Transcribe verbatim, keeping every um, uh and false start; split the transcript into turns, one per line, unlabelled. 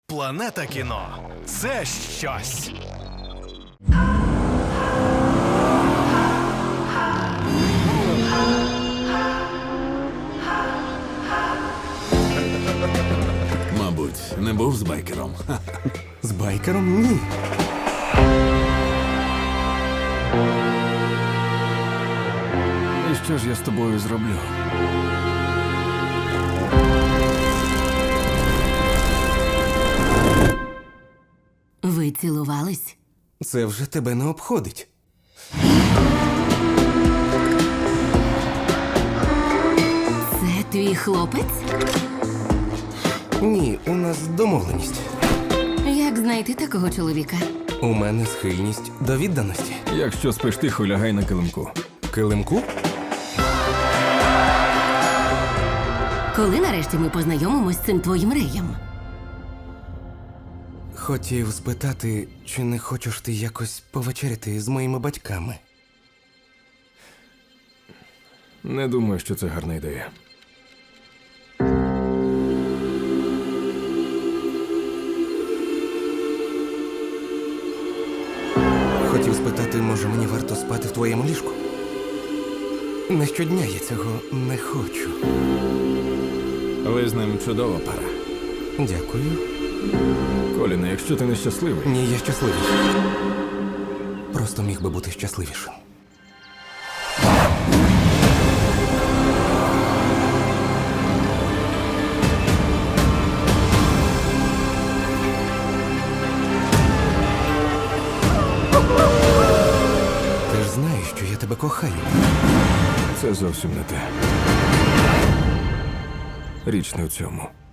Планета кіно – це щось.
Мабуть, не був з байкером.
З байкером? Ні.
І що ж я з тобою зроблю?
Ви цілувались?
Це вже тебе не обходить.
Це твій хлопець?
Ні, у нас домовленість.
Як знайти такого чоловіка?
У мене схильність до відданості.
Якщо спиш тихо, лягай на килимку.
Килимку?
Коли нарешті ми познайомимось з цим твоїм реєм?
Хотів спитати, чи не хочеш ти якось повечеряти з моїми батьками?
Не думаю, що це гарна ідея.
Хотів спитати, може мені варто спати в твоєму ліжку? Не щодня я цього не хочу.
Ви з ним чудова пара.
Дякую.
Коліне, якщо ти нещасливий,
Ні, я щасливий. Просто міг би бути щасливішим. Ти ж знаєш, що я тебе кохаю.
це зовсім не те. Річ не в цьому.